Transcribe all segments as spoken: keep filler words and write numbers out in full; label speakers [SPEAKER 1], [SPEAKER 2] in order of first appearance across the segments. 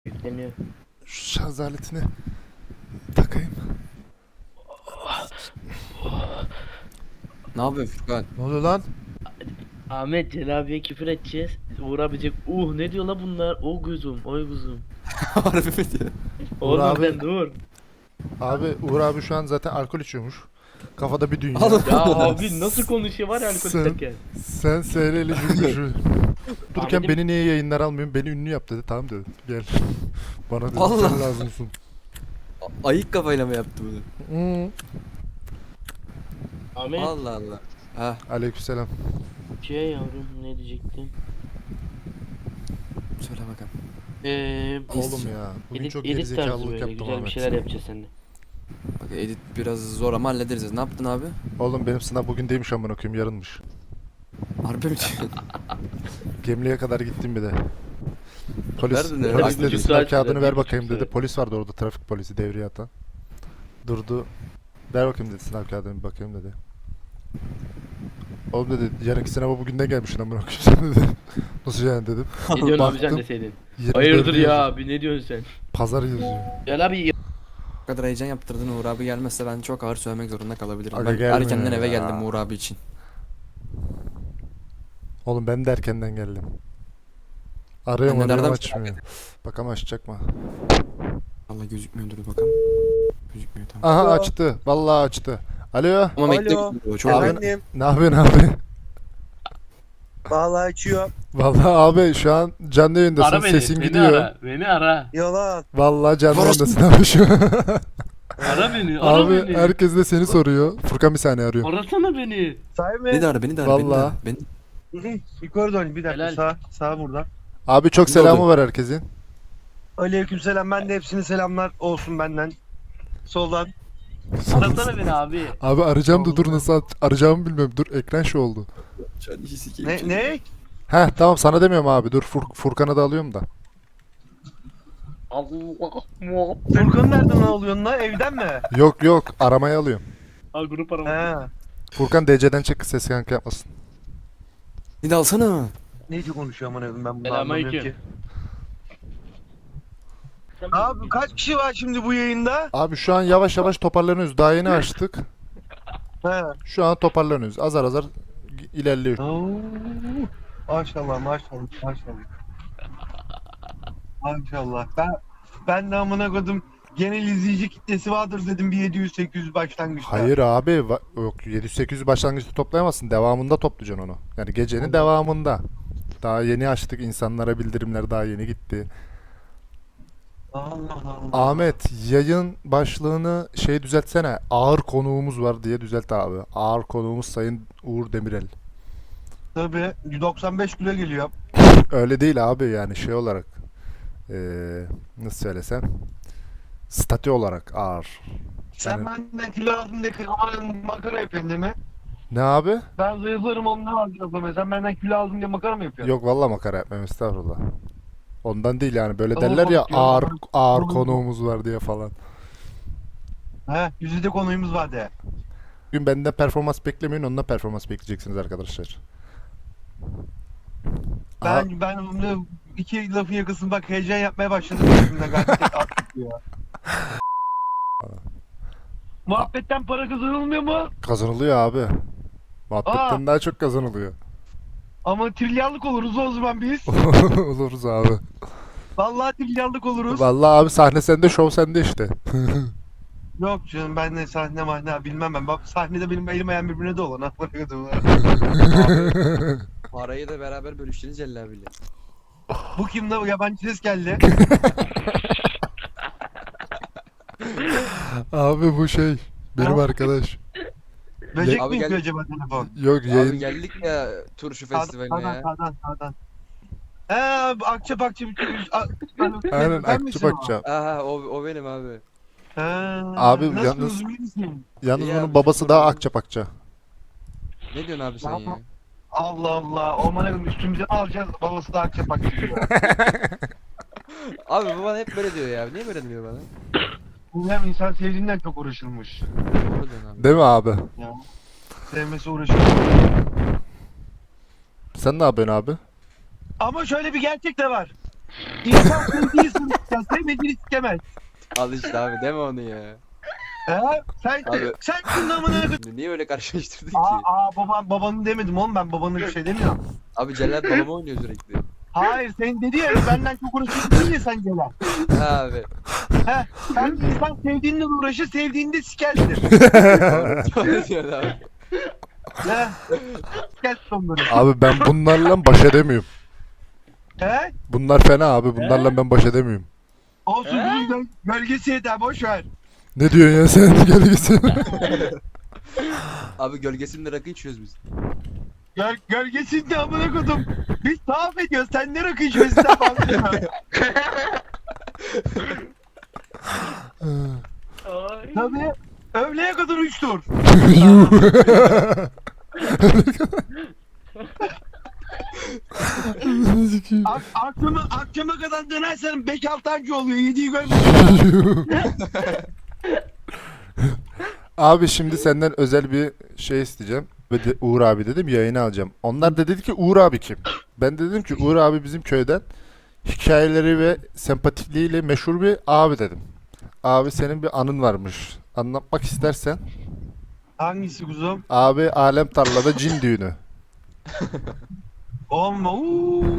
[SPEAKER 1] Yükleniyor.
[SPEAKER 2] Şu şarj aletini takayım.
[SPEAKER 3] Ne yapıyorsun Furkan?
[SPEAKER 2] Ne oluyor lan?
[SPEAKER 1] Ahmet Celal abiye küfür edeceğiz. Uğur abicek uh ne diyor la bunlar? O gözüm, oy gözüm.
[SPEAKER 3] Harbi mi diyor?
[SPEAKER 1] Oğlum
[SPEAKER 2] abi-
[SPEAKER 1] sen dur.
[SPEAKER 2] Abi Uğur abi şu an zaten alkol içiyormuş. Kafada bir dünya.
[SPEAKER 3] Allah.
[SPEAKER 1] Ya abi nasıl konuşuyor var ya alkol
[SPEAKER 2] Sen-
[SPEAKER 1] içerken.
[SPEAKER 2] Sen seyreli cümbüşü. Dururken
[SPEAKER 1] Ahmet'im-
[SPEAKER 2] beni niye yayınlar almıyorsun? Beni ünlü yap dedi. Tamam dedim. Gel. Bana dedi
[SPEAKER 3] Allah.
[SPEAKER 2] sen lazımsın.
[SPEAKER 3] A- Ayık kafayla mı yaptı bunu?
[SPEAKER 2] Hmm.
[SPEAKER 1] Ahmet
[SPEAKER 3] Allah Allah. Ha,
[SPEAKER 2] Aleykümselam.
[SPEAKER 1] şey yavrum ne diyecektim?
[SPEAKER 3] söyle bakalım.
[SPEAKER 1] Eee
[SPEAKER 2] Oğlum ya. Bugün
[SPEAKER 1] edit,
[SPEAKER 2] çok
[SPEAKER 1] edit tarzı
[SPEAKER 2] gerizekalılık
[SPEAKER 1] böyle
[SPEAKER 2] yaptım
[SPEAKER 1] güzel bir
[SPEAKER 2] Ahmet.
[SPEAKER 1] şeyler yapacağız seninle.
[SPEAKER 3] Bak edit biraz zor ama hallederiz. Ne yaptın abi?
[SPEAKER 2] Oğlum benim sınav bugün değilmiş amına koyayım, yarınmış.
[SPEAKER 3] Harbi mi diyorsun?
[SPEAKER 2] Gemliğe kadar gittim bir de. Polis,
[SPEAKER 3] Nerede ne?
[SPEAKER 2] polis
[SPEAKER 3] Ay,
[SPEAKER 2] dedi
[SPEAKER 1] buçuk
[SPEAKER 2] sınav
[SPEAKER 1] saat
[SPEAKER 2] kağıdını
[SPEAKER 1] sürer,
[SPEAKER 2] ver
[SPEAKER 1] bir
[SPEAKER 2] bakayım
[SPEAKER 1] buçuk
[SPEAKER 2] dedi.
[SPEAKER 1] saat.
[SPEAKER 2] Polis vardı orada, trafik polisi devreye atan. Durdu. Ver bakayım dedi sınav kağıdını bir bakayım dedi. Oğlum dedi yarınki sınava bugünden gelmişsin amına koyayım sen dedi. Nasıl yani dedim.
[SPEAKER 1] Ne diyorsun abi sen
[SPEAKER 2] Baktım,
[SPEAKER 1] deseydin?
[SPEAKER 2] yirmi
[SPEAKER 1] Hayırdır
[SPEAKER 2] dördü
[SPEAKER 1] ya
[SPEAKER 2] yazıyor.
[SPEAKER 1] abi ne diyorsun sen?
[SPEAKER 2] Pazar yazıyor.
[SPEAKER 1] Gel abi
[SPEAKER 3] Bu kadar heyecan yaptırdın Uğur abi gelmezse ben çok ağır söylemek zorunda kalabilirim.
[SPEAKER 2] Aga
[SPEAKER 3] Ben
[SPEAKER 2] gelmiyor
[SPEAKER 3] erkenden eve
[SPEAKER 2] ya.
[SPEAKER 3] geldim Uğur abi için.
[SPEAKER 2] Oğlum ben de erkenden geldim. Arıyorum
[SPEAKER 3] Ben de
[SPEAKER 2] arıyorum
[SPEAKER 3] nereden-
[SPEAKER 2] açmıyor. Bakalım açacak mı?
[SPEAKER 3] Allah gözükmüyor dur bakalım. Gözükmüyor tamam.
[SPEAKER 2] Aha
[SPEAKER 4] Alo.
[SPEAKER 2] açtı. Vallahi açtı. Alo.
[SPEAKER 3] Ama bekle
[SPEAKER 4] Alo.
[SPEAKER 3] gözükmüyor, çok
[SPEAKER 2] Abi-
[SPEAKER 3] ağır.
[SPEAKER 4] Efendim,
[SPEAKER 2] Ne yapıyorsun abi?
[SPEAKER 4] vallahi açıyor.
[SPEAKER 2] Vallahi abi şu an canlı yayındasın.
[SPEAKER 1] ara beni.
[SPEAKER 2] Sesin
[SPEAKER 1] beni
[SPEAKER 2] gidiyor.
[SPEAKER 1] ara. Beni ara.
[SPEAKER 4] Yalan.
[SPEAKER 2] Vallahi canlı
[SPEAKER 3] Orası-
[SPEAKER 2] yayındasın abi şu an.
[SPEAKER 1] Ara beni. Ara
[SPEAKER 2] Abi
[SPEAKER 1] beni.
[SPEAKER 2] herkes de seni soruyor. Furkan bir saniye arıyor.
[SPEAKER 1] Arasana beni.
[SPEAKER 4] Sahi mi?
[SPEAKER 3] Beni de ara beni de ara beni de ara.
[SPEAKER 2] Vallahi.
[SPEAKER 3] Beni...
[SPEAKER 4] Hı hı. Yukarı dön bir dakika.
[SPEAKER 1] Helal.
[SPEAKER 4] Sağ, sağ burada.
[SPEAKER 2] Abi çok
[SPEAKER 3] Ne
[SPEAKER 2] selamı
[SPEAKER 3] oldu?
[SPEAKER 2] var herkesin.
[SPEAKER 4] Aleykümselam. Ben de hepsine selamlar olsun benden. Soldan.
[SPEAKER 1] Arasana beni abi.
[SPEAKER 2] Abi arayacağım da dur nasıl at- arayacağımı bilmiyorum. Dur ekran şu oldu.
[SPEAKER 3] Şu an işi sikeyim.
[SPEAKER 4] Ne ne?
[SPEAKER 2] Heh tamam sana demiyorum abi. Dur Fur- Furkan'ı da alıyorum da.
[SPEAKER 1] Allah.
[SPEAKER 4] Furkan'ı nereden alıyorsun lan? Evden mi?
[SPEAKER 2] Yok yok aramaya alıyorum.
[SPEAKER 1] Ha grup arama.
[SPEAKER 4] He.
[SPEAKER 2] Furkan D C'den çık, ses yankı yapmasın.
[SPEAKER 3] Bir de alsana.
[SPEAKER 4] Neyce konuşuyor aman evim, ben bunu
[SPEAKER 1] Selamünaleyküm.
[SPEAKER 4] anlamıyorum ki. Abi kaç kişi var şimdi bu yayında?
[SPEAKER 2] Abi şu an yavaş yavaş toparlanıyoruz. Daha yeni açtık.
[SPEAKER 4] He.
[SPEAKER 2] Şu an toparlanıyoruz. Azar azar ilerliyor.
[SPEAKER 4] Oo. Maşallah maşallah maşallah. Maşallah. Ben ben de amına koydum. Genel izleyici kitlesi vardır dedim bir yedi yüz sekiz yüz başlangıçta.
[SPEAKER 2] Hayır abi va- yok yedi yüz sekiz yüz başlangıçta toplayamazsın. Devamında toplayacaksın onu. Yani gecenin devamında. Daha yeni açtık, insanlara bildirimler daha yeni gitti.
[SPEAKER 4] Allah Allah.
[SPEAKER 2] Ahmet yayın başlığını şey düzeltsene. Ağır konuğumuz var diye düzelt abi. Ağır konuğumuz Sayın Uğur Demirel.
[SPEAKER 4] Tabii yüz doksan beş kilo geliyor.
[SPEAKER 2] Öyle değil abi yani şey olarak. Eee nasıl söylesem. Statü olarak ağır.
[SPEAKER 4] Sen
[SPEAKER 2] Yani-
[SPEAKER 4] benden kilo aldın diye kırmadan makara yapıyorsun değil mi?
[SPEAKER 2] Ne abi?
[SPEAKER 4] Ben zayıflarım ondan alacağım. Sen benden kilo aldın diye makara mı yapıyorsun?
[SPEAKER 2] Yok vallahi makara yapmam estağfurullah. Ondan değil yani böyle
[SPEAKER 4] Tamam,
[SPEAKER 2] derler ya
[SPEAKER 4] bakıyorum.
[SPEAKER 2] ağır ağır
[SPEAKER 4] Tamam.
[SPEAKER 2] konuğumuz var diye falan.
[SPEAKER 4] He, yüzde konuyumuz var de.
[SPEAKER 2] Bugün benden performans beklemeyin, onunla performans bekleyeceksiniz arkadaşlar. Aha,
[SPEAKER 4] Ben ben onu iki lafın yakasın bak heyecan yapmaya başladım şimdi gayet attık ya. Muhabbetten para kazanılmıyor mu?
[SPEAKER 2] kazanılıyor abi. Muhabbetten daha çok kazanılıyor.
[SPEAKER 4] Ama trilyarlık oluruz o zaman biz.
[SPEAKER 2] Oluruz abi.
[SPEAKER 4] Vallahi trilyarlık oluruz.
[SPEAKER 2] Vallahi abi sahne sende, şov sende işte.
[SPEAKER 4] Yok canım ben de sahne mahne bilmem ben. Bak sahnede benim elim ayağım birbirine dolan.
[SPEAKER 3] Parayı da beraber bölüştünüz Celal abiyle.
[SPEAKER 4] Bu kim de yabancı ses geldi.
[SPEAKER 2] Abi bu şey benim
[SPEAKER 4] Ha?
[SPEAKER 2] arkadaş.
[SPEAKER 4] Böcek
[SPEAKER 3] Abi
[SPEAKER 4] mi
[SPEAKER 3] gel-
[SPEAKER 4] yapıyor acaba telefon?
[SPEAKER 2] Yok
[SPEAKER 3] Abi
[SPEAKER 2] yayın
[SPEAKER 3] geldik ya turşu festivaline
[SPEAKER 4] Sağdan
[SPEAKER 3] ya.
[SPEAKER 4] sağdan sağdan. He akça bakça bir şey.
[SPEAKER 2] aynen
[SPEAKER 4] Ben
[SPEAKER 2] akçı
[SPEAKER 4] misin o?
[SPEAKER 2] bakacağım.
[SPEAKER 3] Aha o, o benim abi.
[SPEAKER 4] He.
[SPEAKER 2] Abi
[SPEAKER 4] Nasıl
[SPEAKER 2] yalnız-
[SPEAKER 4] uzun misin?
[SPEAKER 2] Yalnız
[SPEAKER 3] Ya,
[SPEAKER 2] onun babası
[SPEAKER 3] çok
[SPEAKER 2] daha
[SPEAKER 3] korktum.
[SPEAKER 2] akçapakça.
[SPEAKER 3] Ne diyorsun abi sen ya?
[SPEAKER 4] Allah Allah. Ormana gidip üstümüze alacağız. Babası da akça bakça diyor.
[SPEAKER 3] Abi bu bana hep böyle diyor ya. Niye böyle diyor bana?
[SPEAKER 4] Bu hem insan sevdiğinden çok uğraşılmış.
[SPEAKER 3] Doğru diyorsun abi.
[SPEAKER 2] Değil mi abi?
[SPEAKER 4] Ya. Sevmesi uğraşılmış.
[SPEAKER 2] Sen ne yapıyorsun abi?
[SPEAKER 4] Ama şöyle bir gerçek de var. İnsan sevdiği, Ya sevmediğini sikemez.
[SPEAKER 3] Al işte abi deme onu ya.
[SPEAKER 4] He? Sen,
[SPEAKER 3] Abi.
[SPEAKER 4] sen şunun amına koydum.
[SPEAKER 3] Niye öyle karşılaştırdın ki?
[SPEAKER 4] Aa, aa baban, babanı demedim oğlum, ben babanı bir şey demiyorum.
[SPEAKER 3] Abi Celal balama oynuyor sürekli.
[SPEAKER 4] Hayır, sen dedi ya benden çok uğraşıyorsun ya sen Celal.
[SPEAKER 3] Ha abi.
[SPEAKER 4] He, sen insan sevdiğinle uğraşır, sevdiğinde sikersin.
[SPEAKER 3] Öyle diyor abi.
[SPEAKER 4] He? Sikersin onları.
[SPEAKER 2] Abi ben bunlarla baş edemiyorum.
[SPEAKER 4] He?
[SPEAKER 2] Bunlar fena abi. Bunlarla ben baş edemiyorum.
[SPEAKER 4] Olsun,
[SPEAKER 1] He?
[SPEAKER 4] bunun göl- gölgesi yeter, boş ver.
[SPEAKER 2] Ne diyorsun ya sen? Gel gitsin.
[SPEAKER 3] Abi gölgesinde rakı içiyoruz biz.
[SPEAKER 4] Göl, gölgesinde amına kodum. Biz tavaf ediyoruz, sen ne rakı içiyorsun sen bahsediyorsun.
[SPEAKER 1] Ay.
[SPEAKER 4] Tabii. Öğleye kadar üç tur.
[SPEAKER 2] Yuh.
[SPEAKER 4] Ak akşama, akşama kadar dönersen beş altı anca oluyor. yediyi görmüyorsun.
[SPEAKER 2] Abi şimdi senden özel bir şey isteyeceğim. Ve de Uğur abi dedim yayını alacağım. Onlar da dedi ki Uğur abi kim? Ben de dedim ki Uğur abi bizim köyden hikayeleri ve sempatikliğiyle meşhur bir abi dedim. Abi senin bir anın varmış. Anlatmak istersen.
[SPEAKER 4] Hangisi kuzum?
[SPEAKER 2] Abi Alem Tarla'da cin düğünü.
[SPEAKER 4] Olma. Uuu.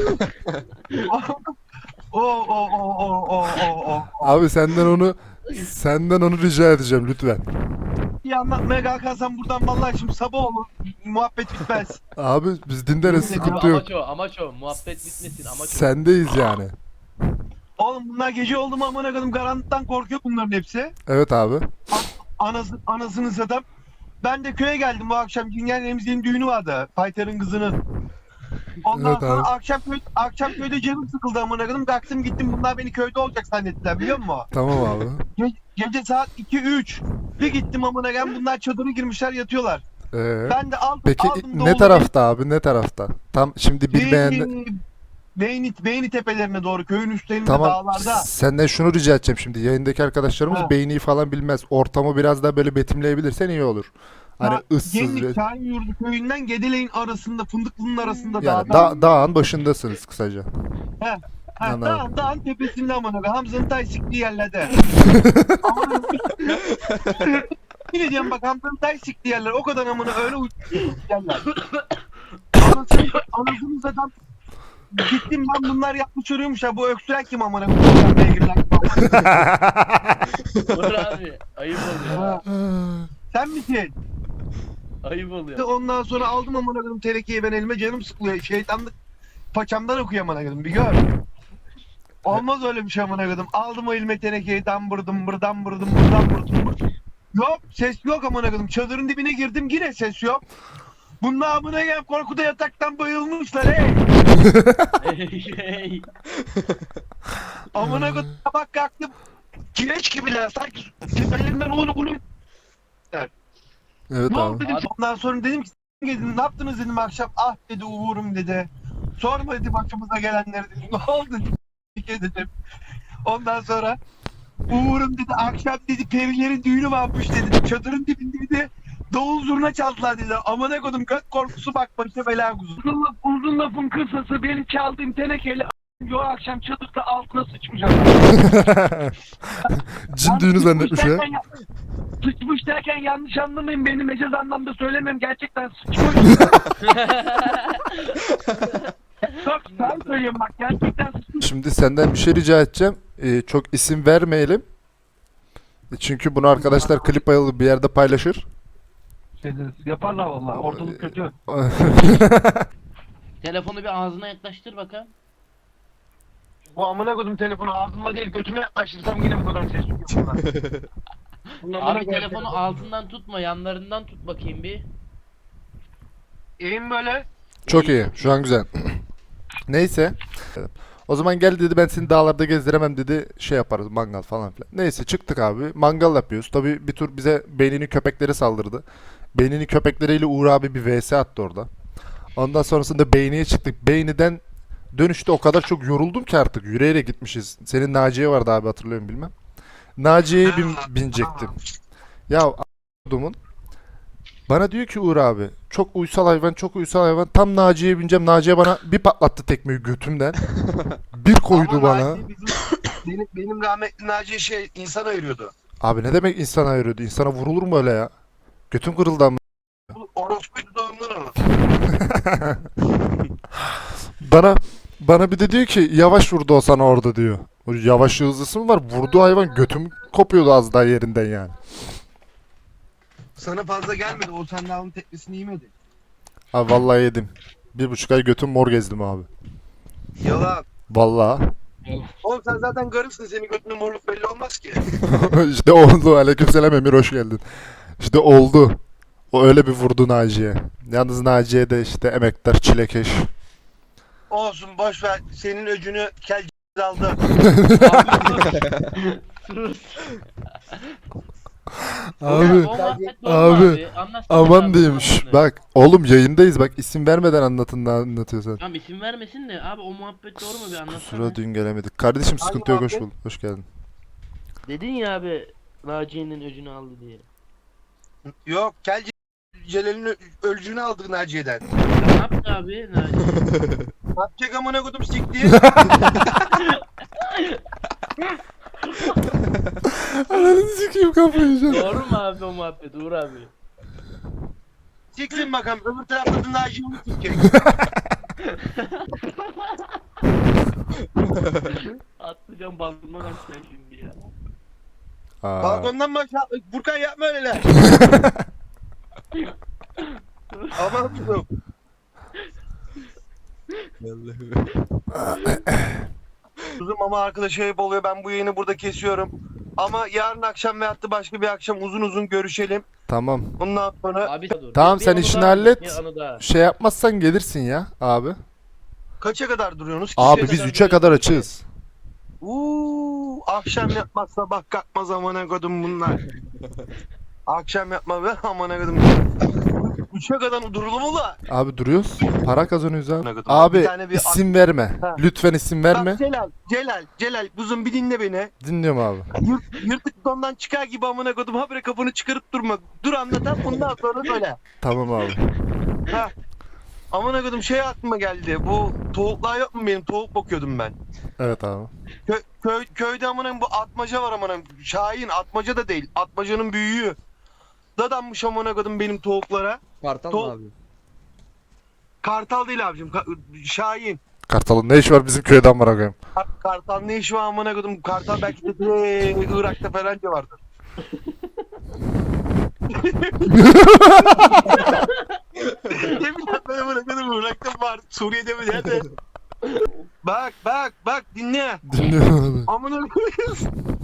[SPEAKER 4] O o o o o o o.
[SPEAKER 2] Abi senden onu senden onu rica edeceğim lütfen.
[SPEAKER 4] Bir anlatmaya kalkarsan buradan vallahi şimdi sabah olur. Muhabbet bitmez.
[SPEAKER 2] Abi biz dinleriz
[SPEAKER 4] Abi,
[SPEAKER 2] sıkıntı
[SPEAKER 1] Abi
[SPEAKER 2] yok.
[SPEAKER 1] amaç o, amaç o. Muhabbet bitmesin, amaç o.
[SPEAKER 2] Sendeyiz yani.
[SPEAKER 4] Oğlum bunlar gece oldu mu amına koydum, karanlıktan korkuyor bunların hepsi.
[SPEAKER 2] Evet abi.
[SPEAKER 4] Anası, anasını satam. Ben de köye geldim bu akşam. Cingenlerimizin düğünü vardı. Paytar'ın kızının. Ondan
[SPEAKER 2] Evet
[SPEAKER 4] sonra
[SPEAKER 2] abi.
[SPEAKER 4] akşam köy, akşam köyde canım sıkıldı amına koydum. Kalktım gittim, bunlar beni köyde olacak zannettiler biliyor musun?
[SPEAKER 2] Tamam abi.
[SPEAKER 4] Ge- gece saat iki üç. Bir gittim amına koydum, bunlar çadırı girmişler yatıyorlar.
[SPEAKER 2] Ee,
[SPEAKER 4] Ben de aldım
[SPEAKER 2] peki
[SPEAKER 4] aldım
[SPEAKER 2] ne
[SPEAKER 4] doğru-
[SPEAKER 2] tarafta abi ne tarafta? Tam şimdi bilmeyen
[SPEAKER 4] Beyni, Beyni, Beyni tepelerine doğru, köyün üstlerinde
[SPEAKER 2] tamam
[SPEAKER 4] dağlarda.
[SPEAKER 2] senden şunu rica edeceğim şimdi yayındaki arkadaşlarımız
[SPEAKER 4] Ha.
[SPEAKER 2] beyni falan bilmez. Ortamı biraz daha böyle betimleyebilirsen iyi olur. Hani
[SPEAKER 4] Ha,
[SPEAKER 2] ıssız
[SPEAKER 4] Gemlik
[SPEAKER 2] bir
[SPEAKER 4] Şahin Yurdu köyünden Gedeleğin arasında, Fındıklı'nın arasında
[SPEAKER 2] yani
[SPEAKER 4] dağda.
[SPEAKER 2] da, dağın başındasınız kısaca.
[SPEAKER 4] Ha,
[SPEAKER 2] Anladım.
[SPEAKER 4] dağın, dağın tepesinde amına koyayım. Hamza'nın tay siktiği yerlerde. Amına Yine diyorum bak, Hamza'nın tay siktiği yerler o kadar amına öyle uçuk yerler. Anasını, anasını zaten gittim ben, bunlar yapmış arıyormuş ya, bu öksüren kim amına koyayım, beygirler kim amına koyayım.
[SPEAKER 1] Uğur abi, ayıp oluyor.
[SPEAKER 4] Ha, Sen misin?
[SPEAKER 1] Ayıp oluyor.
[SPEAKER 4] Ondan sonra aldım amına koyayım terekeyi, ben elime, canım sıkılıyor. Şeytanlık paçamdan okuyor amına koyayım, bir gör. Olmaz öyle bir şey amına koyayım. Aldım o elime tenekeyi, dambırdım bır dambırdım bır dambırdım bır. Yok ses yok amına koyayım. Çadırın dibine girdim, yine ses yok. Bunlar amına koyayım korkuda yataktan bayılmışlar hey.
[SPEAKER 1] Hey, hey.
[SPEAKER 4] Amına koyayım bak kalktım. Kireç gibiler sanki tepelerinden onu bunu.
[SPEAKER 2] Evet
[SPEAKER 4] Ne oldu
[SPEAKER 2] abi.
[SPEAKER 4] dedim. Ondan sonra dedim ki "S*** dedim, ne yaptınız dedim akşam. Ah dedi Uğur'um dedi. Sorma dedi başımıza gelenleri dedi. Ne oldu dedi. dedim. Ondan sonra Uğur'um dedi akşam dedi perilerin düğünü varmış dedi. Çadırın dibinde dedi. Davul zurna çaldılar dedi. Amına koydum göt korkusu bak başa bela kuzu.
[SPEAKER 5] Uzun, laf, uzun lafın kısası benim çaldığım tenekeyle o akşam çadırda altına sıçmış adam.
[SPEAKER 2] Cin düğünü zannetmiş ya.
[SPEAKER 5] derken, sıçmış derken yanlış anlamayın beni, mecaz anlamda söylemem, gerçekten sıçmış. Çok sen söylüyorum bak, gerçekten sıçmış.
[SPEAKER 2] Şimdi senden bir şey rica edeceğim. Ee, çok isim vermeyelim. Çünkü bunu arkadaşlar klip ayarlı bir yerde paylaşır.
[SPEAKER 5] Şey, yaparlar vallahi, ortalık kötü.
[SPEAKER 1] Telefonu bir ağzına yaklaştır bakalım.
[SPEAKER 5] Bu amına koydum telefonu ağzıma değil götüme yaklaştırsam yine bu kadar ses çıkıyor. Bunun amına
[SPEAKER 1] Abi
[SPEAKER 5] koyayım
[SPEAKER 1] telefonu altından tutma, yanlarından tut bakayım bir.
[SPEAKER 4] Eğim böyle.
[SPEAKER 2] Çok iyi. Şu an güzel. Neyse. O zaman gel dedi, ben seni dağlarda gezdiremem dedi. Şey yaparız, mangal falan filan. Neyse çıktık abi. Mangal yapıyoruz. Tabii bir tur bize beynini köpekleri saldırdı. Beynini köpekleriyle Uğur abi bir vs attı orada. Ondan sonrasında Beyni'ye çıktık. Beyni'den dönüşte o kadar çok yoruldum ki artık. Yürüyerek gitmişiz. Senin Naciye vardı abi, hatırlıyorum bilmem. Naciye'ye bin, binecektim. Ya a**dumun. Bana diyor ki Uğur abi, çok uysal hayvan, çok uysal hayvan. Tam Naciye'ye bineceğim. Naciye bana bir patlattı tekmeyi götümden. Bir koydu
[SPEAKER 4] Ama
[SPEAKER 2] bana.
[SPEAKER 4] Naci bizim, Benim, benim rahmetli Naci şey insan ayırıyordu.
[SPEAKER 2] Abi ne demek insana ayırıyordu? İnsana vurulur mu öyle ya? Götün kırıldı ama.
[SPEAKER 4] Bu orospuydu da ondan onu.
[SPEAKER 2] Bana bana bir de diyor ki yavaş vurdu o sana orada diyor. O yavaş hızlısı mı var? Vurduğu hayvan götüm kopuyordu az daha yerinden yani.
[SPEAKER 4] Sana fazla gelmedi. O sen daha onun teklisini yemedi.
[SPEAKER 2] Abi vallahi yedim. Bir buçuk ay götüm mor gezdim abi.
[SPEAKER 4] Yalan.
[SPEAKER 2] Vallahi.
[SPEAKER 4] Oğlum sen zaten garipsin. Senin götünün morluk belli olmaz ki.
[SPEAKER 2] İşte oldu. Aleykümselam Emir, hoş geldin. İşte oldu. O öyle bir vurdu Naciye. Yalnız Naciye de işte emektar çilekeş.
[SPEAKER 4] Olsun boş ver. Senin öcünü kel c- aldı.
[SPEAKER 1] Sus.
[SPEAKER 2] Abi
[SPEAKER 1] O muhabbet
[SPEAKER 2] abi,
[SPEAKER 1] normal Anlatsana
[SPEAKER 2] aman
[SPEAKER 1] abi,
[SPEAKER 2] diyeyim.
[SPEAKER 1] muhabbetini.
[SPEAKER 2] şş, Bak oğlum yayındayız, bak isim vermeden anlatın, ne anlatıyorsan.
[SPEAKER 1] Tamam isim vermesin de abi o muhabbet doğru mu bir anlatsana.
[SPEAKER 2] Kusura dün gelemedik. Kardeşim
[SPEAKER 4] Hangi
[SPEAKER 2] sıkıntı yok, hoş
[SPEAKER 4] muhabbet?
[SPEAKER 2] bulduk. Hoş geldin.
[SPEAKER 1] Dedin ya abi Naciye'nin öcünü aldı diye.
[SPEAKER 4] Yok kel c- Celal'in ö- ölcünü aldı Naciye'den.
[SPEAKER 1] Ya ne yaptı abi Naciye?
[SPEAKER 4] Yapacak amına kodum sikti.
[SPEAKER 2] Ananı sikeyim, kafayı yiyeceğim.
[SPEAKER 1] Doğru mu abi o muhabbet Uğur abi?
[SPEAKER 4] Siksin bakalım. Öbür tarafta da Naciye'ni sikecek.
[SPEAKER 1] Atlayacağım balkondan aşağı şimdi ya.
[SPEAKER 2] Aa,
[SPEAKER 4] Balkondan mı aşağı? Burkan yapma öyleler. Aman kuzum. Kuzum ama arkadaş ayıp oluyor. Ben bu yayını burada kesiyorum. Ama yarın akşam veyahut da başka bir akşam uzun uzun görüşelim.
[SPEAKER 2] tamam.
[SPEAKER 4] Bundan sonra
[SPEAKER 1] Abi dur.
[SPEAKER 2] Tamam,
[SPEAKER 1] Bir
[SPEAKER 2] sen
[SPEAKER 1] anı
[SPEAKER 2] işini
[SPEAKER 1] daha
[SPEAKER 2] hallet.
[SPEAKER 1] anlat, bir anı daha.
[SPEAKER 2] Şey yapmazsan gelirsin ya abi.
[SPEAKER 4] kaça kadar duruyorsunuz?
[SPEAKER 2] Abi
[SPEAKER 4] Kişiye
[SPEAKER 2] biz
[SPEAKER 4] kadar
[SPEAKER 2] üçe kadar açığız.
[SPEAKER 4] Uuu, akşam yapmaz sabah kalkmaz amına kodum bunlar. Akşam yapma be amına kodum. Üçe kadar durulur mu la?
[SPEAKER 2] Abi duruyoruz. Para kazanıyoruz abi.
[SPEAKER 4] Ne kadar?
[SPEAKER 2] Abi
[SPEAKER 4] Bir tane bir-
[SPEAKER 2] isim verme.
[SPEAKER 4] Ha.
[SPEAKER 2] Lütfen isim verme.
[SPEAKER 4] Bak Celal, Celal, Celal kuzum bir dinle beni.
[SPEAKER 2] Dinliyorum abi.
[SPEAKER 4] Yırt, yırtık dondan çıkar gibi amına kodum habire kafanı çıkarıp durma. Dur anlatan bundan sonra söyle.
[SPEAKER 2] Tamam abi.
[SPEAKER 4] Ha. Amına kodum şey aklıma geldi. Bu tavuklar yok mu benim? Tavuk bakıyordum ben.
[SPEAKER 2] Evet abi.
[SPEAKER 4] Kö, köy, köyde amına bu atmaca var amına. Şahin atmaca da değil. Atmacanın büyüğü. Dadanmış amına kodum benim tavuklara.
[SPEAKER 3] Kartal
[SPEAKER 4] Tol-
[SPEAKER 3] mı abi?
[SPEAKER 4] Kartal değil abicim. Ka- Şahin.
[SPEAKER 2] Kartal'ın ne işi var bizim köyden amına koyayım?
[SPEAKER 4] Kar- Kartal ne işi var amına kodum? Kartal belki de de Irak'ta falan da vardır. Yemin ben amına kodum Irak'ta var. Suriye'de mi nerede? Bak bak bak dinle.
[SPEAKER 2] Dinliyorum abi.
[SPEAKER 4] Amına koyayım.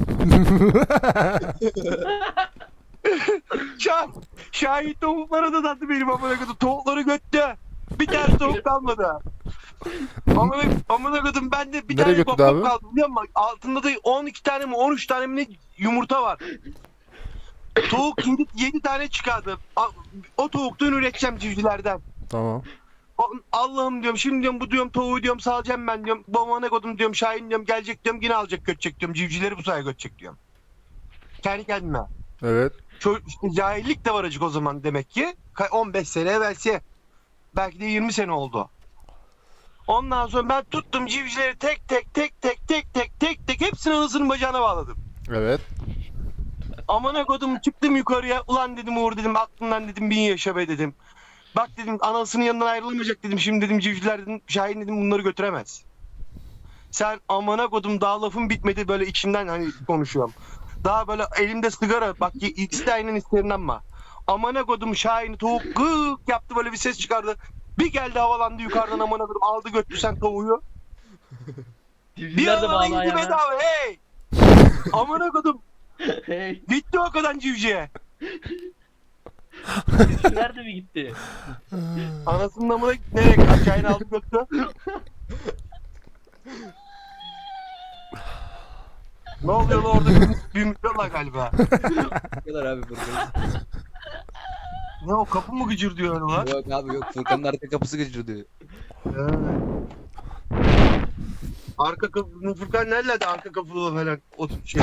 [SPEAKER 4] Şah, şahit tavuklara da dattı benim amına kodum. Tavukları götte. Bir tane tavuk kalmadı. Amına amına kodum bende bir
[SPEAKER 2] Nereye
[SPEAKER 4] tane
[SPEAKER 2] götürdü
[SPEAKER 4] tavuk
[SPEAKER 2] abi?
[SPEAKER 4] kaldı biliyor musun? Altında da on iki tane mi on üç tane mi ne yumurta var. Tavuk yedi tane çıkardı. A- O tavuktan üreteceğim civcivlerden.
[SPEAKER 2] Tamam.
[SPEAKER 4] O- Allah'ım diyorum şimdi diyorum bu diyorum tavuğu diyorum salacağım ben diyorum. Babama ne kodum diyorum Şahin diyorum gelecek diyorum yine alacak götecek diyorum. Civcivleri bu sayede götecek diyorum. Kendi kendime.
[SPEAKER 2] Evet.
[SPEAKER 4] Ço- işte cahillik de var acık o zaman demek ki. Ka- on beş sene evvelsi. Belki de yirmi sene oldu. Ondan sonra ben tuttum civcivleri tek tek tek tek tek tek tek tek hepsini anasının bacağına bağladım.
[SPEAKER 2] Evet.
[SPEAKER 4] Amına kodum çıktım yukarıya. Ulan dedim Uğur dedim aklından dedim bin yaşa be dedim. Bak dedim anasının yanından ayrılamayacak dedim. Şimdi dedim civcivler dedim Şahin dedim bunları götüremez. Sen amına kodum daha lafım bitmedi böyle içimden hani konuşuyorum. Daha böyle elimde sigara bak ikisi de aynen isterim ama. Amına kodum Şahin'i tavuk gık yaptı böyle bir ses çıkardı. Bir geldi havalandı yukarıdan amına kodum aldı götürdü sen tavuğu. Bir
[SPEAKER 1] Civcivler de
[SPEAKER 4] alana
[SPEAKER 1] bağlı
[SPEAKER 4] indi
[SPEAKER 1] ayağına.
[SPEAKER 4] bedava hey. Amına kodum
[SPEAKER 1] Hey,
[SPEAKER 4] gitti o kadar civcive.
[SPEAKER 1] civcivler de mi gitti?
[SPEAKER 4] Anasının amına nereye kaçağını aldı götürdü. Ne oluyor lan orada bir, bir mikrofon galiba.
[SPEAKER 3] Ne kadar abi Furkan?
[SPEAKER 4] Ne o kapı mı gıcır diyor öyle lan?
[SPEAKER 3] Yok abi yok, Furkan'ın arka kapısı gıcırdı.
[SPEAKER 4] He. Arka kapı, Furkan nerede arka kapılı falan o şey.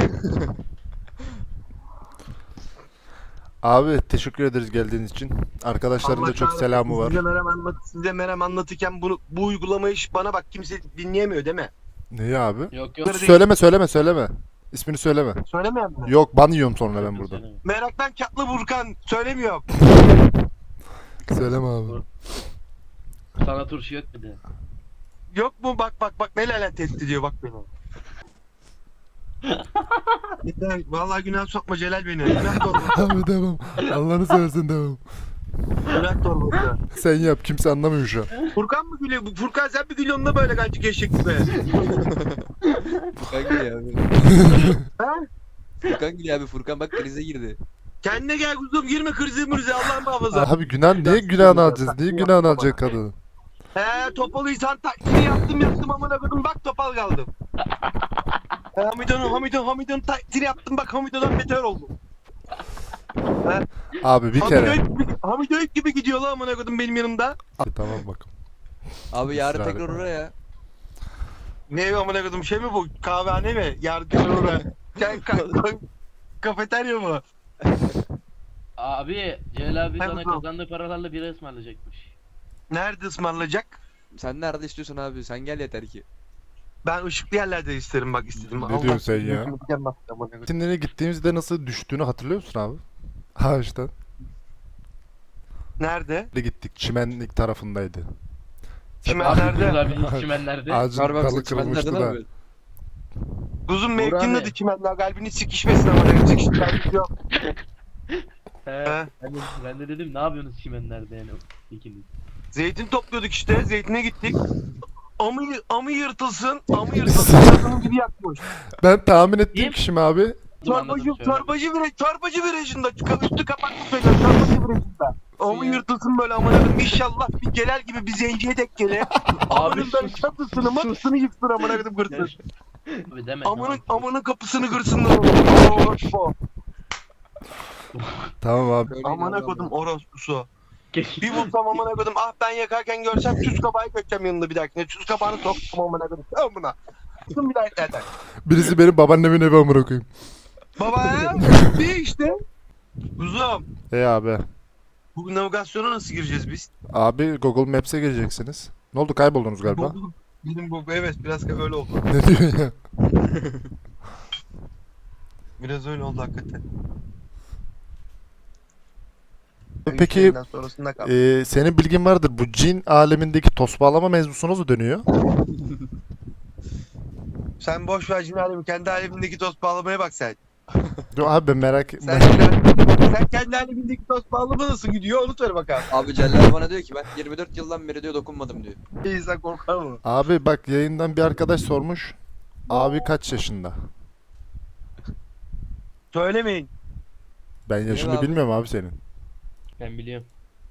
[SPEAKER 2] Abi teşekkür ederiz geldiğiniz için. Arkadaşların
[SPEAKER 4] Allah
[SPEAKER 2] da çok
[SPEAKER 4] kahretsin,
[SPEAKER 2] selamı var.
[SPEAKER 4] Size merhem, anlat, size merhem anlatırken bunu, bu uygulamayı hiç bana bak kimse dinleyemiyor değil mi?
[SPEAKER 2] Neyi abi?
[SPEAKER 1] Yok yok.
[SPEAKER 2] Söyleme söyleme söyleme. İsmini söyleme.
[SPEAKER 4] Söylemeyen mi?
[SPEAKER 2] Yok ban yiyorum sonra ben burada.
[SPEAKER 1] Söyleme.
[SPEAKER 4] Meraktan katlı Burkan. Söylemiyorum.
[SPEAKER 2] Söyleme abi.
[SPEAKER 1] Sana turşu yok bir de.
[SPEAKER 4] Yok mu? Bak bak bak ne lanet tehdit ediyor bak beni. Yeter, vallahi günah sokma Celal beni. Günah torbası.
[SPEAKER 2] Abi devam. Allah'ını seversen devam.
[SPEAKER 4] Günah torbası.
[SPEAKER 2] Sen yap kimse anlamıyor şu an.
[SPEAKER 4] Furkan mı gülüyor? Bu Furkan sen mi gülüyorsun da böyle kancık eşek gibi?
[SPEAKER 3] Furkan gülüyor abi.
[SPEAKER 4] Ha?
[SPEAKER 3] Furkan gülüyor abi. Furkan bak krize girdi.
[SPEAKER 4] Kendine gel kuzum girme krizi mürüze Allah'ın muhafaza.
[SPEAKER 2] Abi günah niye günahını alacağız? Niye günahını alacak kadını?
[SPEAKER 4] He topalıysan taklidi yaptım yaptım amına koydum bak topal kaldım. He, Hamidon'un Hamidon Hamidon taklidi yaptım bak Hamidon'dan beter oldum.
[SPEAKER 2] Abi bir kere.
[SPEAKER 4] Hamido'yu gibi, Hamido'yu gibi gidiyor lan amına koydum benim yanımda.
[SPEAKER 2] Abi, tamam bak.
[SPEAKER 3] Abi yarın
[SPEAKER 2] Israr
[SPEAKER 3] tekrar
[SPEAKER 2] etme.
[SPEAKER 3] oraya.
[SPEAKER 4] Ne amına koydum şey mi bu kahvehane mi? Yardım oraya. Sen ka ka kafeterya mı?
[SPEAKER 1] Abi Celal abi
[SPEAKER 4] Hem
[SPEAKER 1] sana
[SPEAKER 4] bu.
[SPEAKER 1] kazandığı paralarla bira ısmarlayacakmış.
[SPEAKER 4] Nerede ısmarlayacak?
[SPEAKER 3] Sen nerede istiyorsun abi? Sen gel yeter ki.
[SPEAKER 4] Ben ışıklı yerlerde isterim bak istedim.
[SPEAKER 2] Ne diyorsun sen ya?
[SPEAKER 4] Mükemmel, amına koydum.
[SPEAKER 2] Şimdi gittiğimizde nasıl düştüğünü hatırlıyor musun abi? Ağaçtan.
[SPEAKER 4] Nerede?
[SPEAKER 2] Nereye gittik? Çimenlik tarafındaydı.
[SPEAKER 4] Çimenlerde.
[SPEAKER 1] Abi çimenlerde.
[SPEAKER 2] Ağacın
[SPEAKER 3] Var bak
[SPEAKER 2] dalı
[SPEAKER 3] sen çimenlerde
[SPEAKER 2] kırılmıştı
[SPEAKER 3] ne
[SPEAKER 2] da.
[SPEAKER 3] yapıyorsun?
[SPEAKER 4] Kuzum
[SPEAKER 1] Uğur
[SPEAKER 4] mevkinin
[SPEAKER 1] abi.
[SPEAKER 4] adı çimenler. Kalbini sikişmesin amına koydum. Sikişmesin yok.
[SPEAKER 1] He,
[SPEAKER 4] He.
[SPEAKER 1] ben, de, ben de dedim ne yapıyorsunuz çimenlerde yani ikiniz.
[SPEAKER 4] Zeytin topluyorduk işte. Zeytine gittik. Amı, amı yırtılsın. Amı yırtılsın. Kadının biri yakmış.
[SPEAKER 2] Ben tahmin ettiğim
[SPEAKER 1] Kim?
[SPEAKER 2] kişi mi abi?
[SPEAKER 4] Çorbacı,
[SPEAKER 1] Anladım,
[SPEAKER 4] çorbacı vire, çorbacı virajında. Üstü kapaklı söylüyor. Çorbacı virajında. Amı yırtılsın böyle amına koydum. İnşallah bir Celal gibi bir zenciye denk gele. Amının böyle
[SPEAKER 1] sus.
[SPEAKER 4] çatısını matısını yıksın amına koydum kırsın.
[SPEAKER 1] Abi deme.
[SPEAKER 4] Amının,
[SPEAKER 1] tamam.
[SPEAKER 4] amının kapısını kırsınlar. Orospu.
[SPEAKER 2] Tamam abi.
[SPEAKER 3] Böyle
[SPEAKER 4] Amına
[SPEAKER 3] inanmam
[SPEAKER 4] koydum orospusu.
[SPEAKER 1] Geç.
[SPEAKER 4] Bir bulsam amına koydum. Ah ben yakarken görsem tuz kabağı götüreceğim yanında bir dahakine. Tuz kabağını soktum amına koydum. Amına. Tutun bir daha zaten.
[SPEAKER 2] Birisi benim babaannemin evi amına koyayım.
[SPEAKER 4] Baba ya. Bir işte. Kuzum.
[SPEAKER 2] E abi.
[SPEAKER 4] Bu navigasyona nasıl gireceğiz biz?
[SPEAKER 2] Abi Google Maps'e gireceksiniz. Ne oldu kayboldunuz galiba?
[SPEAKER 4] Bu- Bizim bu evet biraz öyle oldu.
[SPEAKER 2] Ne diyorsun ya?
[SPEAKER 4] Biraz öyle oldu hakikaten.
[SPEAKER 2] Peki
[SPEAKER 4] İşlerinden sonrasında kaldı.
[SPEAKER 2] e, senin bilgin vardır. Bu cin alemindeki toz bağlama mevzusu nasıl dönüyor?
[SPEAKER 4] Sen boş ver cin alemi. Kendi alemindeki toz bağlamaya bak sen.
[SPEAKER 2] Yo abi ben merak
[SPEAKER 4] Sen,
[SPEAKER 2] ben-
[SPEAKER 4] sen kendi alemindeki toz bağlama nasıl gidiyor onu söyle bakalım.
[SPEAKER 3] Abi Celal bana diyor ki ben yirmi dört yıldan beri diyor dokunmadım diyor.
[SPEAKER 4] İnsan korkar mı?
[SPEAKER 2] Abi bak yayından bir arkadaş sormuş. Abi kaç yaşında?
[SPEAKER 4] Söylemeyin.
[SPEAKER 2] Ben yaşını
[SPEAKER 3] abi?
[SPEAKER 2] bilmiyorum abi senin.
[SPEAKER 1] Ben biliyorum.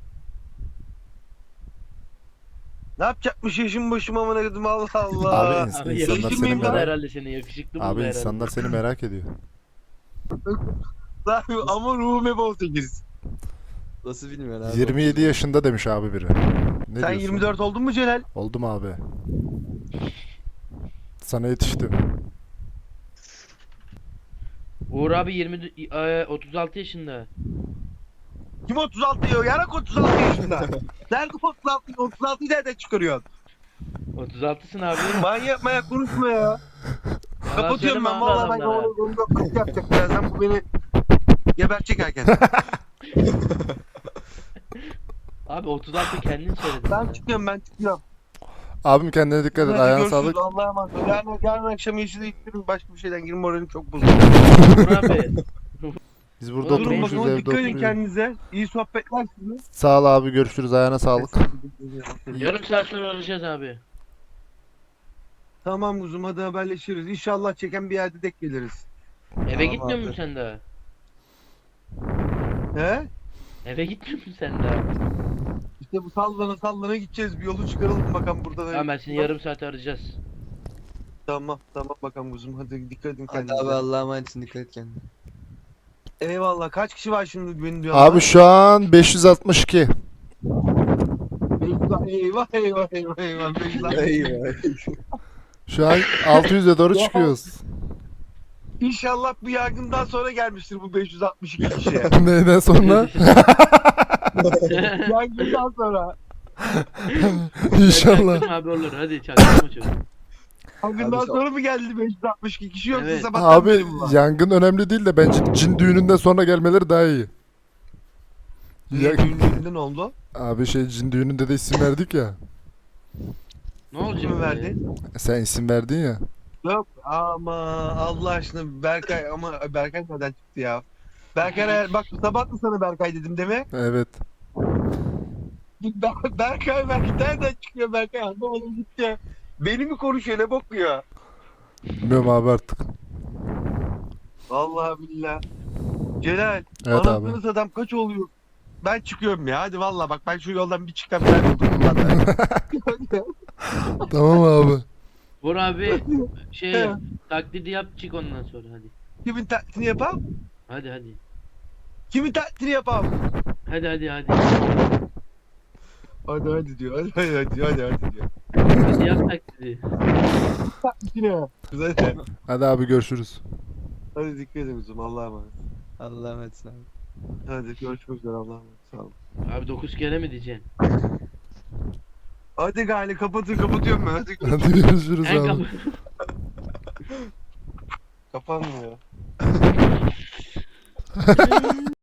[SPEAKER 4] Ne yapacakmış yaşım başım amına koydum Allah Allah.
[SPEAKER 2] Abi ins-
[SPEAKER 1] Abi
[SPEAKER 2] insanlar
[SPEAKER 1] yakışıklı
[SPEAKER 2] seni
[SPEAKER 1] mıyım da
[SPEAKER 2] merak
[SPEAKER 1] herhalde seni yakışıklı mı
[SPEAKER 2] Abi
[SPEAKER 1] herhalde?
[SPEAKER 2] insanlar seni merak ediyor.
[SPEAKER 4] Abi ama ruhum hep on sekiz.
[SPEAKER 3] Nasıl bilmiyorsun abi?
[SPEAKER 2] yirmi yedi yaşında demiş abi biri. Ne
[SPEAKER 4] Sen
[SPEAKER 2] diyorsun?
[SPEAKER 4] yirmi dört oldun mu Celal?
[SPEAKER 2] Oldum abi. Sana yetiştim.
[SPEAKER 1] Uğur abi yirmi e, otuz altı yaşında.
[SPEAKER 4] Kim otuz altı diyor? Yarak otuz altı yaşında. Nerede otuz altı? otuz altıyı nereden çıkarıyorsun?
[SPEAKER 1] otuz altısın abi.
[SPEAKER 4] Manyak manyak konuşma ya.
[SPEAKER 1] Yalan
[SPEAKER 4] Kapatıyorum
[SPEAKER 1] söyleme
[SPEAKER 4] ben
[SPEAKER 1] abi
[SPEAKER 4] vallahi ben
[SPEAKER 1] adamlara.
[SPEAKER 4] onu yok kapı yapacak birazdan bu beni gebertecek erken.
[SPEAKER 1] Abi otuz altı kendin söyledin.
[SPEAKER 4] Ben
[SPEAKER 1] ya.
[SPEAKER 4] çıkıyorum ben çıkıyorum.
[SPEAKER 2] Abim kendine dikkat et.
[SPEAKER 4] Hadi
[SPEAKER 2] Ayağına
[SPEAKER 4] görüşürüz,
[SPEAKER 2] sağlık.
[SPEAKER 4] Allah'a emanet ol. Yarın, yarın akşam yeşile gittirim başka bir şeyden girin moralim çok bozuldu.
[SPEAKER 1] Uğur abi.
[SPEAKER 2] Biz burada
[SPEAKER 1] Durun
[SPEAKER 4] Durun
[SPEAKER 2] oturmuşuz
[SPEAKER 4] bakalım
[SPEAKER 2] evde
[SPEAKER 4] dikkat edin
[SPEAKER 2] oturuyoruz.
[SPEAKER 4] kendinize. İyi sohbetler size.
[SPEAKER 2] Sağ ol abi görüşürüz. Ayağına sağlık.
[SPEAKER 1] Yarım saat sonra arayacağız abi.
[SPEAKER 4] Tamam kuzum hadi haberleşiriz. İnşallah çeken bir yerde denk geliriz.
[SPEAKER 1] Eve
[SPEAKER 4] Tamam
[SPEAKER 1] gitmiyor
[SPEAKER 4] abi.
[SPEAKER 1] musun sen daha?
[SPEAKER 4] He?
[SPEAKER 1] Eve gitmiyor musun sen daha?
[SPEAKER 4] İşte bu sallana sallana gideceğiz. Bir yolu çıkaralım bakalım burada.
[SPEAKER 1] Tamam ben seni yarım saat arayacağız.
[SPEAKER 4] Tamam tamam bakalım kuzum hadi dikkat edin
[SPEAKER 3] Hadi
[SPEAKER 4] kendinize.
[SPEAKER 3] abi Allah'a emanetsin dikkat et kendine.
[SPEAKER 4] Eyvallah kaç kişi var şimdi beni diyor.
[SPEAKER 2] Abi şu an beş yüz altmış iki.
[SPEAKER 4] Eyvah eyvah eyvah eyvah eyvah.
[SPEAKER 3] Eyvah.
[SPEAKER 2] Şu an altı yüze doğru
[SPEAKER 4] Ya.
[SPEAKER 2] çıkıyoruz.
[SPEAKER 4] İnşallah bu yargından sonra gelmiştir bu beş yüz altmış iki kişiye.
[SPEAKER 2] Neyden sonra?
[SPEAKER 4] Yargından sonra.
[SPEAKER 2] İnşallah.
[SPEAKER 1] Çaktırma abi olur hadi çaktırma çocuk.
[SPEAKER 4] Yangından
[SPEAKER 6] Abi,
[SPEAKER 4] sonra mı geldi beş yüz altmış iki kişi yoksa
[SPEAKER 1] Evet.
[SPEAKER 4] sabahtan
[SPEAKER 2] Abi
[SPEAKER 4] beri mi var?
[SPEAKER 2] yangın önemli değil de bence cin düğününden sonra gelmeleri daha iyi.
[SPEAKER 4] Niye
[SPEAKER 2] Ya-
[SPEAKER 4] düğününden oldu?
[SPEAKER 2] Abi şey cin düğününde de isim verdik ya.
[SPEAKER 1] Ne olacak?
[SPEAKER 4] Kimi
[SPEAKER 1] be?
[SPEAKER 4] verdi?
[SPEAKER 2] Sen isim verdin ya.
[SPEAKER 4] Yok ama Allah aşkına Berkay ama Berkay nereden çıktı ya? Berkay bak sabah mı sana Berkay dedim değil mi?
[SPEAKER 2] Evet.
[SPEAKER 4] Ber- Berkay Berkay nereden çıkıyor Berkay anlamadım gitti. Beni mi konuşuyor ne bakıyor?
[SPEAKER 2] Bilmiyorum abi artık.
[SPEAKER 4] Vallahi billah. Celal
[SPEAKER 2] Evet abi.
[SPEAKER 4] anasını adam kaç oluyor? Ben çıkıyorum ya hadi vallahi bak ben şu yoldan bir çıkam ben oldum bunlardan.
[SPEAKER 2] Tamam abi.
[SPEAKER 1] Uğur abi şey
[SPEAKER 4] He.
[SPEAKER 1] yap, taklidi yap çık ondan sonra hadi.
[SPEAKER 4] Kimin taklidini yapam?
[SPEAKER 1] Hadi hadi.
[SPEAKER 4] Kimin taklidini yapam?
[SPEAKER 1] Hadi hadi hadi.
[SPEAKER 4] Hadi hadi diyor hadi hadi hadi hadi, hadi diyor.
[SPEAKER 1] Hadi yap taklidi.
[SPEAKER 4] Taklidini. Güzel.
[SPEAKER 2] Hadi abi görüşürüz.
[SPEAKER 4] Hadi dikkat edin kızım Allah'a emanet.
[SPEAKER 3] Allah'a emanet abi.
[SPEAKER 4] Hadi görüşmek üzere Allah'a emanet. Sağ olun.
[SPEAKER 1] Abi dokuz kere mi diyeceksin?
[SPEAKER 4] Hadi gari kapatın kapatıyorum ben hadi.
[SPEAKER 2] Hadi görüşürüz
[SPEAKER 1] En
[SPEAKER 2] abi.
[SPEAKER 1] kapı.
[SPEAKER 4] Kapanmıyor.